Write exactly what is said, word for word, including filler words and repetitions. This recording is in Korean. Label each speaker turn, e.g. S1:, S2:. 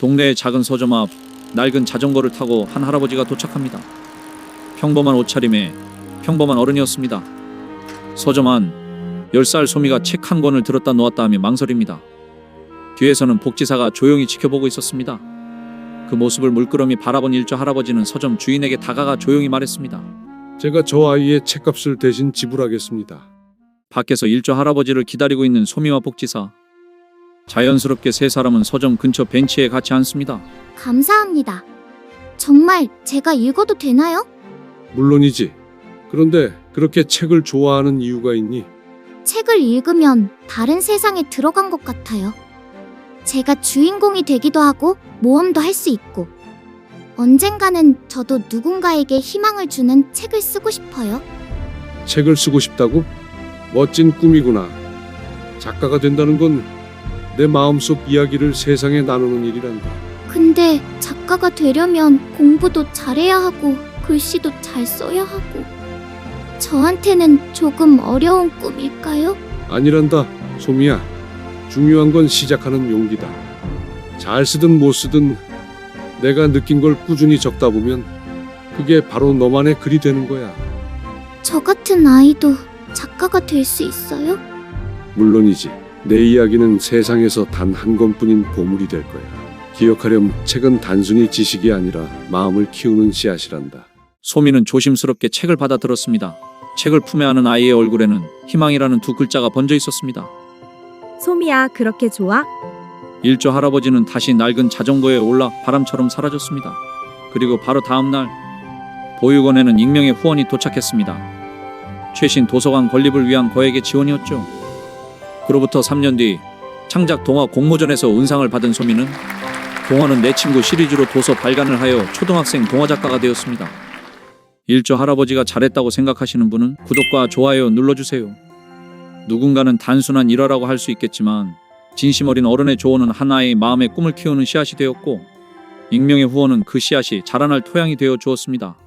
S1: 동네의 작은 서점 앞 낡은 자전거를 타고 한 할아버지가 도착합니다. 평범한 옷차림에 평범한 어른이었습니다. 서점 안 열 살 소미가 책 한 권을 들었다 놓았다 하며 망설입니다. 뒤에서는 복지사가 조용히 지켜보고 있었습니다. 그 모습을 물끄러미 바라본 일조 할아버지는 서점 주인에게 다가가 조용히 말했습니다.
S2: 제가 저 아이의 책값을 대신 지불하겠습니다.
S1: 밖에서 일조 할아버지를 기다리고 있는 소미와 복지사. 자연스럽게 세 사람은 서점 근처 벤치에 같이 앉습니다.
S3: 감사합니다. 정말 제가 읽어도 되나요?
S2: 물론이지. 그런데 그렇게 책을 좋아하는 이유가 있니?
S3: 책을 읽으면 다른 세상에 들어간 것 같아요. 제가 주인공이 되기도 하고 모험도 할 수 있고 언젠가는 저도 누군가에게 희망을 주는 책을 쓰고 싶어요.
S2: 책을 쓰고 싶다고? 멋진 꿈이구나. 작가가 된다는 건 내 마음속 이야기를 세상에 나누는 일이란다.
S3: 근데 작가가 되려면 공부도 잘해야 하고 글씨도 잘 써야 하고 저한테는 조금 어려운 꿈일까요?
S2: 아니란다, 소미야. 중요한 건 시작하는 용기다. 잘 쓰든 못 쓰든 내가 느낀 걸 꾸준히 적다 보면 그게 바로 너만의 글이 되는 거야.
S3: 저 같은 아이도 작가가 될 수 있어요?
S2: 물론이지. 내 이야기는 세상에서 단 한 권뿐인 보물이 될 거야. 기억하렴, 책은 단순히 지식이 아니라 마음을 키우는 씨앗이란다.
S1: 소미는 조심스럽게 책을 받아 들었습니다. 책을 품에 안은 아이의 얼굴에는 희망이라는 두 글자가 번져 있었습니다.
S4: 소미야, 그렇게 좋아?
S1: 일조 할아버지는 다시 낡은 자전거에 올라 바람처럼 사라졌습니다. 그리고 바로 다음 날 보육원에는 익명의 후원이 도착했습니다. 최신 도서관 건립을 위한 거액의 지원이었죠. 그로부터 삼 년 뒤 창작 동화 공모전에서 은상을 받은 소미는 동화는 내 친구 시리즈로 도서 발간을 하여 초등학생 동화 작가가 되었습니다. 일조 할아버지가 잘했다고 생각하시는 분은 구독과 좋아요 눌러주세요. 누군가는 단순한 일화라고 할 수 있겠지만 진심 어린 어른의 조언은 하나의 마음의 꿈을 키우는 씨앗이 되었고 익명의 후원은 그 씨앗이 자라날 토양이 되어 주었습니다.